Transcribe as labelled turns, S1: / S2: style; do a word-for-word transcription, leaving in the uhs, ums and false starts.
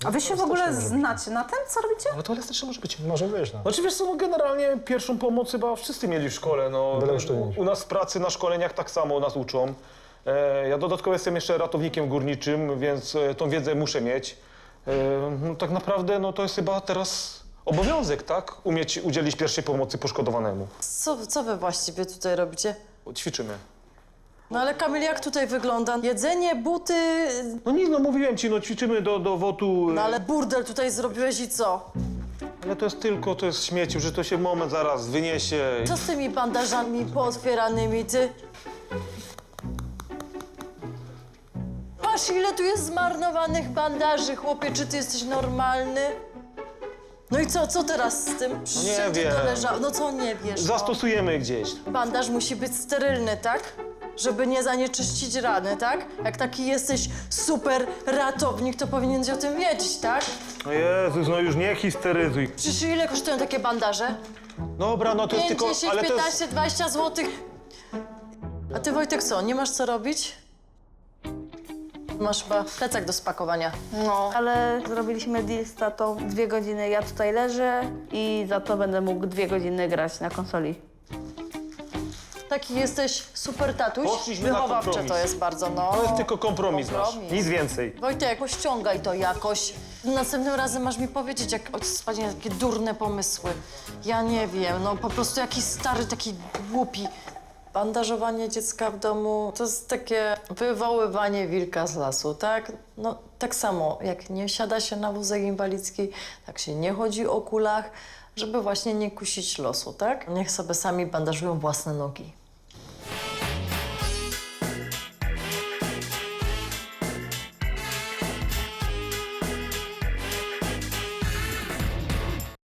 S1: A wy się w ogóle znacie na tym, co robicie?
S2: Ale to elastyczne może być.
S3: Może być, no.
S2: Znaczy wiesz co, no generalnie pierwszą pomoc chyba wszyscy mieli w szkole, no.
S3: Byle usztywnić.
S2: U nas w pracy, na szkoleniach tak samo nas uczą. E, ja dodatkowo jestem jeszcze ratownikiem górniczym, więc e, tą wiedzę muszę mieć. E, no, tak naprawdę no, to jest chyba teraz obowiązek, tak? Umieć udzielić pierwszej pomocy poszkodowanemu.
S4: Co, co wy właściwie tutaj robicie?
S2: Ćwiczymy.
S4: No ale Kamil, jak tutaj wygląda? Jedzenie, buty...
S2: No nic, no mówiłem ci, no ćwiczymy do, do wotu.
S4: No ale burdel tutaj zrobiłeś i co?
S2: Ale to jest tylko, to jest śmieci, że to się moment zaraz wyniesie.
S4: Co z tymi bandażami pootwieranymi, ty? Patrz, ile tu jest zmarnowanych bandaży, chłopie, czy ty jesteś normalny? No i co, co teraz z tym?
S2: No nie
S4: Wszędzie
S2: wiem.
S4: to leżało. No co nie wiesz? No?
S2: Zastosujemy gdzieś.
S4: Bandaż musi być sterylny, tak? Żeby nie zanieczyścić rany, tak? Jak taki jesteś super ratownik, to powinieneś o tym wiedzieć, tak?
S2: No Jezus, no już nie histeryzuj.
S4: Przecież ile kosztują takie bandaże?
S2: Dobra, no to jest
S4: pięć,
S2: tylko,
S4: dziesięć,
S2: ale to jest...
S4: piętnaście, dwadzieścia złotych. A ty, Wojtek, co? Nie masz co robić? Masz chyba plecak do spakowania.
S5: No, ale zrobiliśmy deal z tatą. Dwie godziny ja tutaj leżę i za to będę mógł dwie godziny grać na konsoli.
S4: Taki jesteś super tatuś.
S2: Poszliśmy na
S4: Wychowawcze
S2: kompromis.
S4: to jest bardzo, no.
S2: To jest tylko kompromis,
S4: Kompromis.
S2: nasz, nic więcej.
S4: Wojtek, pościągaj to jakoś. Następnym razem masz mi powiedzieć, jak ojciec spadnie takie durne pomysły. Ja nie wiem, no po prostu jakiś stary, taki głupi. Bandażowanie dziecka w domu to jest takie wywoływanie wilka z lasu, tak? No tak samo, jak nie siada się na wózek inwalidzki, tak się nie chodzi o kulach, żeby właśnie nie kusić losu, tak? Niech sobie sami bandażują własne nogi.